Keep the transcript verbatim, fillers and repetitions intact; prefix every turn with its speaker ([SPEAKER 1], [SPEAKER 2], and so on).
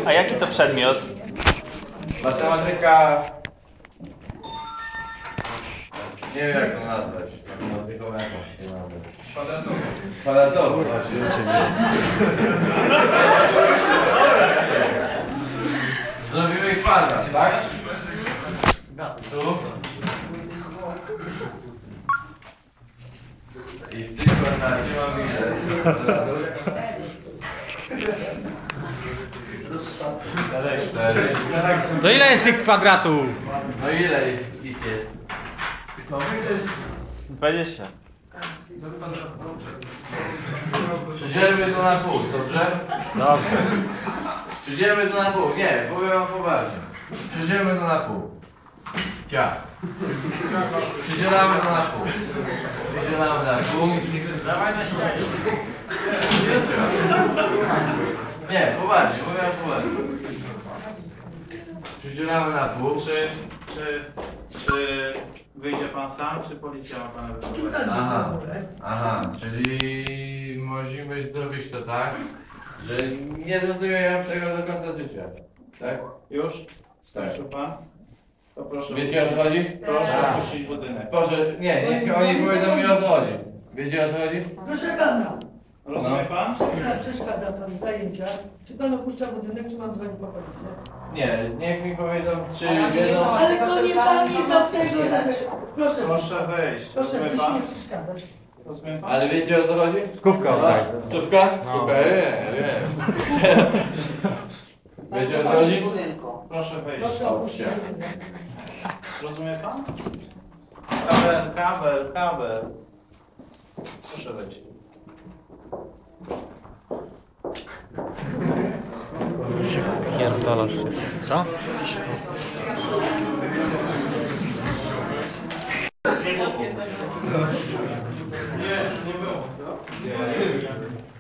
[SPEAKER 1] A jaki to przedmiot?
[SPEAKER 2] Matematyka... Nie wiem jak to nazwać. Matematyką jakąś nie mamy. Kwadratowa. Kwadratowa. Zrobimy kwadrat, tak? Tu. I w tym kwadracie mamy ile?
[SPEAKER 3] To ile jest tych kwadratów?
[SPEAKER 2] No ile idzie?
[SPEAKER 1] dwadzieścia.
[SPEAKER 2] Przydzielmy to na pół, dobrze?
[SPEAKER 3] Dobrze.
[SPEAKER 2] Przydzielmy to na pół, nie, powiem wam poważnie. Przydzielmy to na pół. Cia. Przydzielamy to na pół. Przydzielamy na pół. Dawaj na ścianie. Nie, poważnie, powiem wam poważnie. Przydzielamy na pół.
[SPEAKER 4] Czy, czy, czy wyjdzie pan sam, czy policja ma pana wyprowadzić?
[SPEAKER 2] Aha, aha, czyli musimy zrobić to tak, że nie zrozumiałem tego do końca życia. Tak?
[SPEAKER 4] Już? Skończył pan? To proszę
[SPEAKER 2] Wiecie o co chodzi?
[SPEAKER 4] Proszę
[SPEAKER 2] Tak.
[SPEAKER 4] opuścić budynek.
[SPEAKER 2] Proszę, nie, niech oni powiedzą mi o co chodzi. Wiecie o co chodzi?
[SPEAKER 5] Proszę pana,
[SPEAKER 4] Rozumie pan?
[SPEAKER 5] przeszkadza pan w zajęciach. Czy pan opuszcza budynek, czy mam dzwonić po policję?
[SPEAKER 2] Nie, niech mi powiedzą, czy
[SPEAKER 6] Ale nie
[SPEAKER 2] wiedzą...
[SPEAKER 6] są-
[SPEAKER 5] Ale to nie pan jest od tego, żeby... Proszę,
[SPEAKER 4] Proszę wejść.
[SPEAKER 5] proszę,
[SPEAKER 4] Rozumie
[SPEAKER 5] proszę nie
[SPEAKER 4] pan?
[SPEAKER 5] przeszkadzać.
[SPEAKER 4] Rozumie pan?
[SPEAKER 2] Ale wiecie o co chodzi?
[SPEAKER 3] Skówka oddaj.
[SPEAKER 2] Stówka? Stówka, nie, nie. Wiecie o co chodzi?
[SPEAKER 4] Proszę wejść.
[SPEAKER 5] Proszę opuścić budynek.
[SPEAKER 4] Rozumie pan? Kabel, kabel, kabel. Proszę wejść.
[SPEAKER 3] Pierdolasz się. Co?
[SPEAKER 4] Nie, nie było.